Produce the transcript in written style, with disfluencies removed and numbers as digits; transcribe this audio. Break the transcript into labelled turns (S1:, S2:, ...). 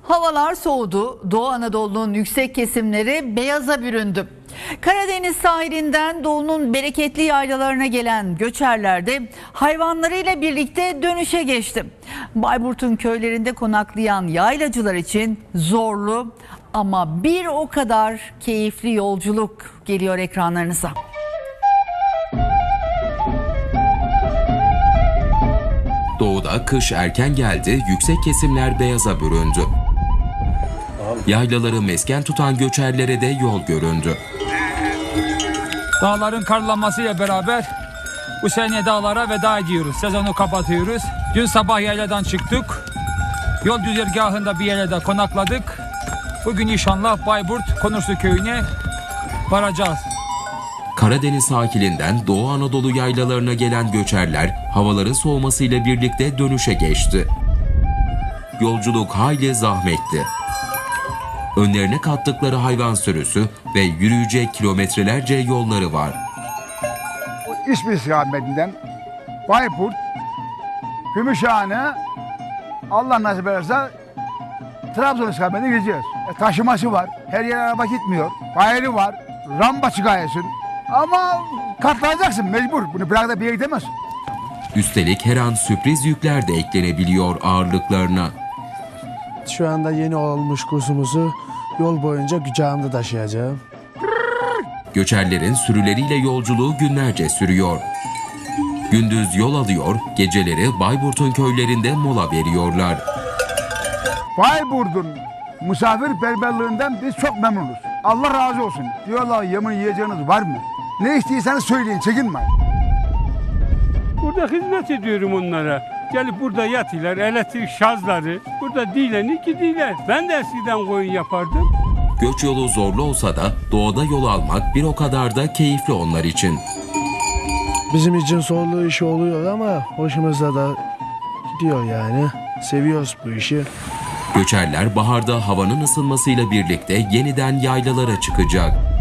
S1: Havalar soğudu. Doğu Anadolu'nun yüksek kesimleri beyaza büründü. Karadeniz sahilinden doğunun bereketli yaylalarına gelen göçerler de hayvanlarıyla birlikte dönüşe geçti. Bayburt'un köylerinde konaklayan yaylacılar için zorlu ama bir o kadar keyifli yolculuk geliyor ekranlarınıza.
S2: Doğuda kış erken geldi, yüksek kesimler beyaza büründü. Yaylaları mesken tutan göçerlere de yol göründü.
S3: Dağların karlanmasıyla beraber bu sene dağlara veda ediyoruz. Sezonu kapatıyoruz. Dün sabah yayladan çıktık. Yol güzergahında bir yerde konakladık. Bugün inşallah Bayburt Konursu köyüne varacağız.
S2: Karadeniz sahilinden Doğu Anadolu yaylalarına gelen göçerler havaların soğumasıyla birlikte dönüşe geçti. Yolculuk hayli zahmetli. Önlerine kattıkları hayvan sürüsü ve yürüyecek kilometrelerce yolları var.
S4: İsmi istikametinden Bayburt, Gümüşhane, Allah nasip ederse Trabzon istikametine gideceğiz. Taşıması var, her yere araba gitmiyor, bayrağı var, ramba çıkarsın. Ama katlanacaksın mecbur, bunu bırak da bir yere gidemezsin.
S2: Üstelik her an sürpriz yükler de eklenebiliyor ağırlıklarına.
S5: Şu anda yeni olmuş kursumuzu yol boyunca kucağımda taşıyacağım.
S2: Göçerlerin sürüleriyle yolculuğu günlerce sürüyor. Gündüz yol alıyor, geceleri Bayburt'un köylerinde mola veriyorlar.
S4: Bayburt'un misafirperverliğinden biz çok memnunuz. Allah razı olsun. Diyorlar yemin yiyeceğiniz var mı? Ne istiyorsanız söyleyin, çekinmeyin.
S6: Burada hizmet ediyorum onlara. Gelip burada yatıyorlar, elektrik şarjları. Burada dilenir gidiyorlar. Ben de eskiden koyun yapardım.
S2: Göç yolu zorlu olsa da doğada yol almak bir o kadar da keyifli onlar için.
S5: Bizim için zorlu iş oluyor ama hoşumuza da gidiyor yani. Seviyoruz bu işi.
S2: Göçerler baharda havanın ısınmasıyla birlikte yeniden yaylalara çıkacak.